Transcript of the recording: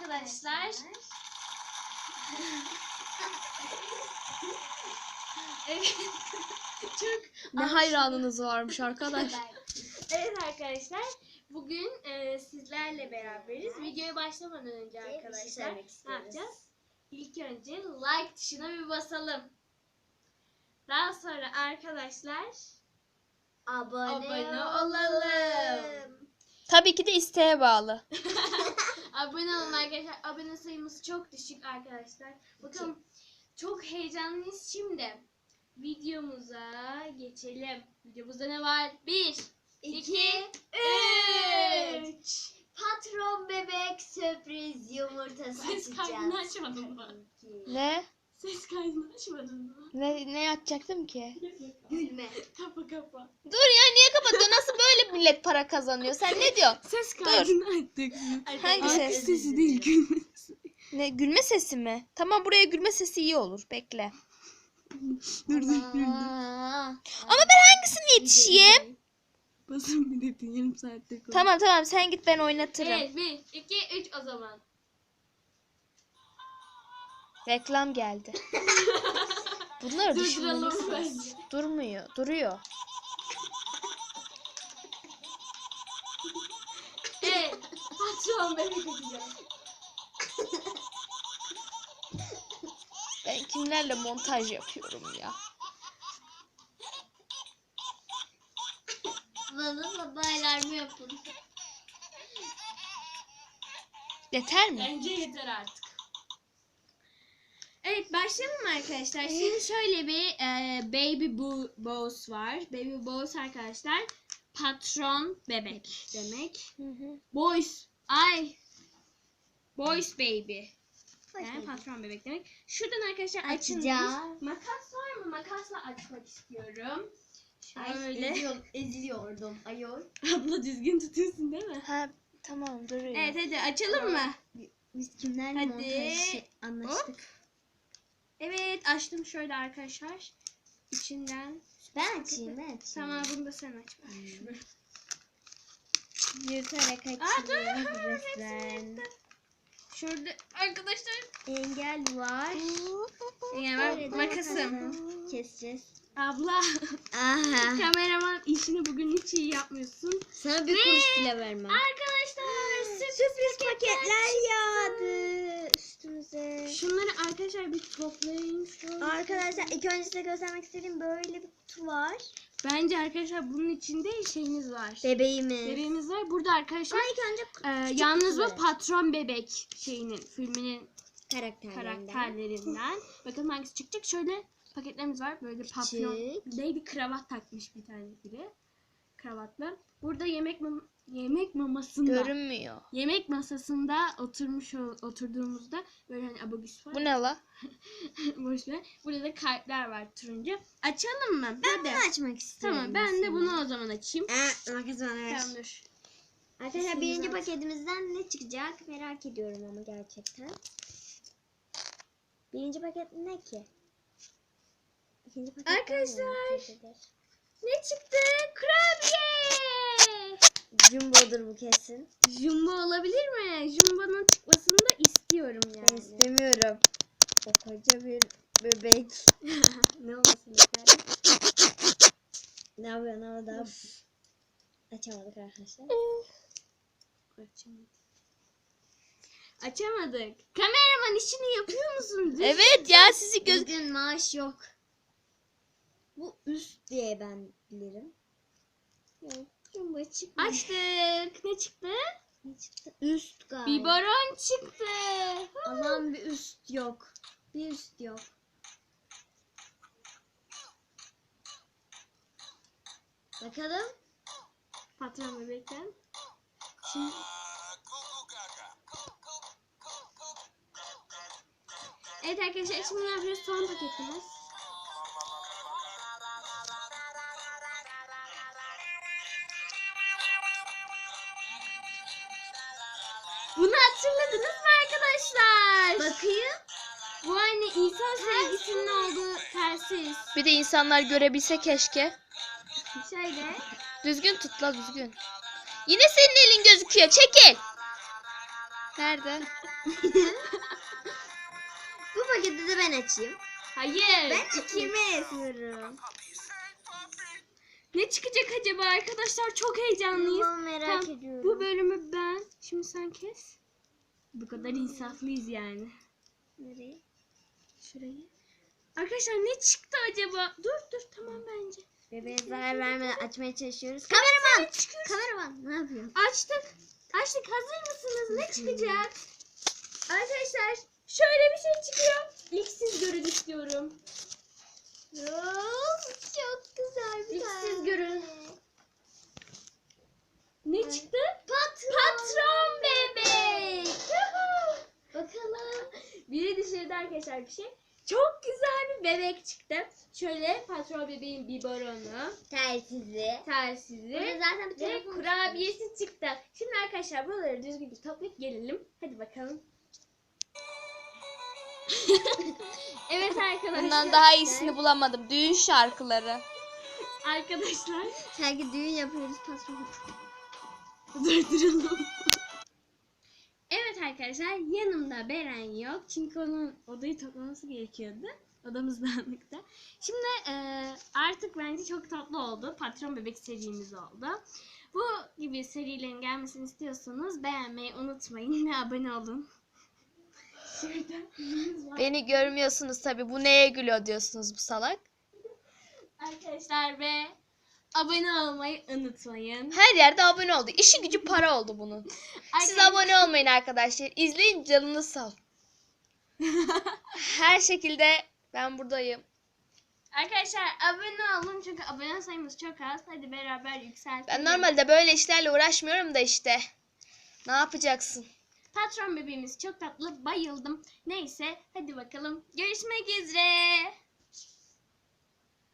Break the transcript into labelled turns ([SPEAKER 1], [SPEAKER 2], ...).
[SPEAKER 1] arkadaşlar. Evet. Çok
[SPEAKER 2] Ne hayranınız varmış arkadaş.
[SPEAKER 1] Evet arkadaşlar. Bugün sizlerle beraberiz. Videoya başlamadan önce arkadaşlar ne yapacağız? İlk önce like tuşuna bir basalım. Daha sonra arkadaşlar abone olalım.
[SPEAKER 2] Tabii ki de isteğe bağlı.
[SPEAKER 1] Abone olun arkadaşlar. Abone sayımız çok düşük arkadaşlar. Bakalım çok heyecanlıyız şimdi. Videomuza geçelim. Videomuzda ne var? 1, 2, 3.
[SPEAKER 3] Patron bebek sürpriz yumurtası
[SPEAKER 1] Ses kaydını
[SPEAKER 3] açacağız.
[SPEAKER 1] açmadın mı?
[SPEAKER 2] Ne?
[SPEAKER 1] Ses kaydını açmadın mı?
[SPEAKER 2] Ne yapacaktım ki?
[SPEAKER 3] Gülme.
[SPEAKER 1] Kapa.
[SPEAKER 2] Dur ya, niye kapatıyorsun? Nasıl böyle millet para kazanıyor? Sen ne diyorsun?
[SPEAKER 1] Ses kaydını açtık.
[SPEAKER 2] Hangi ses?
[SPEAKER 1] Sesi değil, gülme.
[SPEAKER 2] Ne, gülme sesi mi? Tamam, buraya gülme sesi iyi olur. Bekle.
[SPEAKER 1] Dur.
[SPEAKER 2] Ama ben hangisini yetişeyim?
[SPEAKER 1] Basın bir dedin, yarım saattir konuş.
[SPEAKER 2] Tamam sen git, ben oynatırım.
[SPEAKER 1] Evet, 1, 2, 3 o zaman.
[SPEAKER 2] Reklam geldi. Bunları
[SPEAKER 1] Durduralım
[SPEAKER 2] düşünmeliyiz.
[SPEAKER 1] bence.
[SPEAKER 2] Durmuyor. Duruyor.
[SPEAKER 1] Evet. Patron bebek atacağım.
[SPEAKER 2] Ben kimlerle montaj yapıyorum ya?
[SPEAKER 3] Bana baylar mı yapın?
[SPEAKER 2] Yeter mi?
[SPEAKER 1] Bence yeter artık. Evet, başlayalım mı arkadaşlar? Şimdi şöyle bir Baby Boss var. Baby Boss arkadaşlar patron bebek demek. Boys baby. Yani patron bebek demek. Şuradan arkadaşlar açılmış.
[SPEAKER 3] Açacağız.
[SPEAKER 1] Makas var mı? Makasla açmak istiyorum.
[SPEAKER 3] Ay,
[SPEAKER 1] Şöyle.
[SPEAKER 3] eziliyordum ayol.
[SPEAKER 1] Abla düzgün tutuyorsun değil mi?
[SPEAKER 2] Ha, tamam, duruyor.
[SPEAKER 1] Evet, hadi açalım mı?
[SPEAKER 3] Biz kimlerle
[SPEAKER 1] Hadi.
[SPEAKER 3] montaj anlaştık?
[SPEAKER 1] Evet, açtım şöyle arkadaşlar. İçinden.
[SPEAKER 3] Ben açayım.
[SPEAKER 1] Tamam, bunu da sen aç.
[SPEAKER 3] Yırtarak
[SPEAKER 1] Aa, dur.
[SPEAKER 3] açıyoruz resmen.
[SPEAKER 1] Şurada arkadaşlar.
[SPEAKER 3] Engel var.
[SPEAKER 1] Yani ben makasım.
[SPEAKER 3] Keseceğiz.
[SPEAKER 1] Abla,
[SPEAKER 3] Aha.
[SPEAKER 1] kameraman işini bugün hiç iyi yapmıyorsun.
[SPEAKER 3] Sana bir kuruş bile vermem.
[SPEAKER 1] Arkadaşlar,
[SPEAKER 3] Sürpriz paketler yağdı üstümüze.
[SPEAKER 1] şunları arkadaşlar bir toplayayım. Şöyle.
[SPEAKER 3] Arkadaşlar ilk önce size göstermek istediğim böyle bir kutu var.
[SPEAKER 1] Bence arkadaşlar bunun içinde şeyimiz var.
[SPEAKER 3] Bebeğimiz.
[SPEAKER 1] Bebeğimiz var. Burada arkadaşlar
[SPEAKER 3] Ben ilk önce
[SPEAKER 1] yalnız bu
[SPEAKER 3] kutuları.
[SPEAKER 1] patron bebek filminin
[SPEAKER 3] karakterlerinden.
[SPEAKER 1] karakterlerinden. Bakalım hangisi çıkacak. Şöyle paketlerimiz var. Böyle papyon. Bir kravat takmış bir tane biri. Kravatla. Burada yemek mamasında.
[SPEAKER 2] Görünmüyor.
[SPEAKER 1] Yemek masasında oturduğumuzda böyle hani abagüs var.
[SPEAKER 2] Bu ne la?
[SPEAKER 1] Boş ver. Burada da kalpler var turuncu. Açalım mı?
[SPEAKER 3] Ben
[SPEAKER 1] Hadi.
[SPEAKER 3] bunu açmak istiyorum.
[SPEAKER 1] Tamam, ben de bunu o zaman açayım.
[SPEAKER 3] Makas bana ver.
[SPEAKER 1] Tamam, dur.
[SPEAKER 3] Arkadaşlar birinci
[SPEAKER 1] Kesinlikle.
[SPEAKER 3] paketimizden ne çıkacak merak ediyorum ama gerçekten. Birinci paket ne ki? İkinci paket
[SPEAKER 1] Arkadaşlar. Ne çıktı? Kurabiye!
[SPEAKER 3] Jumbo'dur bu kesin.
[SPEAKER 1] Jumbo olabilir mi? Jumbo'nun çıkmasını da istiyorum
[SPEAKER 3] Ben
[SPEAKER 1] yani.
[SPEAKER 3] istemiyorum. O koca bir bebek. Ne olmasın isterim. Ne yapıyorsun orada? Açamadık arkadaşlar.
[SPEAKER 1] Açamadık. Kameraman işini yapıyor musun?
[SPEAKER 2] Evet ya, sizi
[SPEAKER 3] Bugün maaş yok. Bu üst diye ben bilirim. Yok. Jumbo çıkmış.
[SPEAKER 1] Açtık. Ne çıktı?
[SPEAKER 3] Ne çıktı? Üst galiba.
[SPEAKER 1] Biberon çıktı.
[SPEAKER 3] Aman bir üst yok. Bir üst yok. Bakalım.
[SPEAKER 1] Patron bebekten. Şimdi evet arkadaşlar, şimdi ne yapıyoruz? Son paketimiz. Bunu hatırladınız mı arkadaşlar?
[SPEAKER 3] Bakayım.
[SPEAKER 1] Bu aynı insan sevgisinin olduğu telsiz.
[SPEAKER 2] Bir de insanlar görebilse keşke.
[SPEAKER 1] Şöyle.
[SPEAKER 2] Düzgün tut la, düzgün. Yine senin elin gözüküyor. Çekil. Nerede?
[SPEAKER 3] Bu paketi de ben açayım.
[SPEAKER 1] Hayır.
[SPEAKER 3] Ben ikimi esiyorum.
[SPEAKER 1] Ne çıkacak acaba arkadaşlar? Çok heyecanlıyız.
[SPEAKER 3] Bunu merak
[SPEAKER 1] Tamam,
[SPEAKER 3] ediyorum.
[SPEAKER 1] bu bölümü ben. Şimdi sen kes. Bu kadar insaflıyız yani.
[SPEAKER 3] Nereye?
[SPEAKER 1] Şurayı. Arkadaşlar ne çıktı acaba? Dur tamam bence.
[SPEAKER 3] Bebeğe zarar vermeden açmaya çalışıyoruz. Kameraman! Kameraman ne yapıyorsun?
[SPEAKER 1] Açtık. Hazır mısınız? Ne çıkacak? Arkadaşlar şöyle bir şey çıkıyor. İlk siz görün istiyorum.
[SPEAKER 3] Çok güzel bir
[SPEAKER 1] İlk
[SPEAKER 3] tane.
[SPEAKER 1] siz görün. Ne çıktı?
[SPEAKER 3] Patron.
[SPEAKER 1] Patron bebek.
[SPEAKER 3] Bakalım.
[SPEAKER 1] Biri dışarıda arkadaşlar bir şey. Çok güzel bir bebek çıktı. Şöyle patron bebeğin biberonu,
[SPEAKER 3] Telsizi.
[SPEAKER 1] telsizi
[SPEAKER 3] Burada zaten bir
[SPEAKER 1] ve
[SPEAKER 3] telefon
[SPEAKER 1] kurabiyesi çıktı. Şimdi arkadaşlar buraları düzgünce toplayıp gelelim. Hadi bakalım. Evet arkadaşlar.
[SPEAKER 2] Bundan daha iyisini bulamadım. Düğün şarkıları.
[SPEAKER 1] Arkadaşlar.
[SPEAKER 3] Sanki düğün yapıyoruz patron.
[SPEAKER 1] Durduralım. Evet arkadaşlar yanımda Beren yok. Çünkü onun odayı toplaması gerekiyordu. Odamız dağınıktı. Şimdi artık bence çok tatlı oldu. Patron bebek serimiz oldu. Bu gibi serilerin gelmesini istiyorsanız beğenmeyi unutmayın ve abone olun. Şurada
[SPEAKER 2] Beni görmüyorsunuz tabii. Bu neye gülüyor diyorsunuz bu salak.
[SPEAKER 1] arkadaşlar ve abone olmayı unutmayın.
[SPEAKER 2] Her yerde abone oldu. İşi gücü para oldu bunun. Siz abone olmayın arkadaşlar. İzleyin canınız sağ olsun. Her şekilde ben buradayım.
[SPEAKER 1] Arkadaşlar abone olun çünkü abone sayımız çok az. Hadi beraber yükseltelim.
[SPEAKER 2] Ben normalde böyle işlerle uğraşmıyorum da işte. Ne yapacaksın?
[SPEAKER 1] Patron bebeğimiz çok tatlı. Bayıldım. Neyse hadi bakalım. Görüşmek üzere.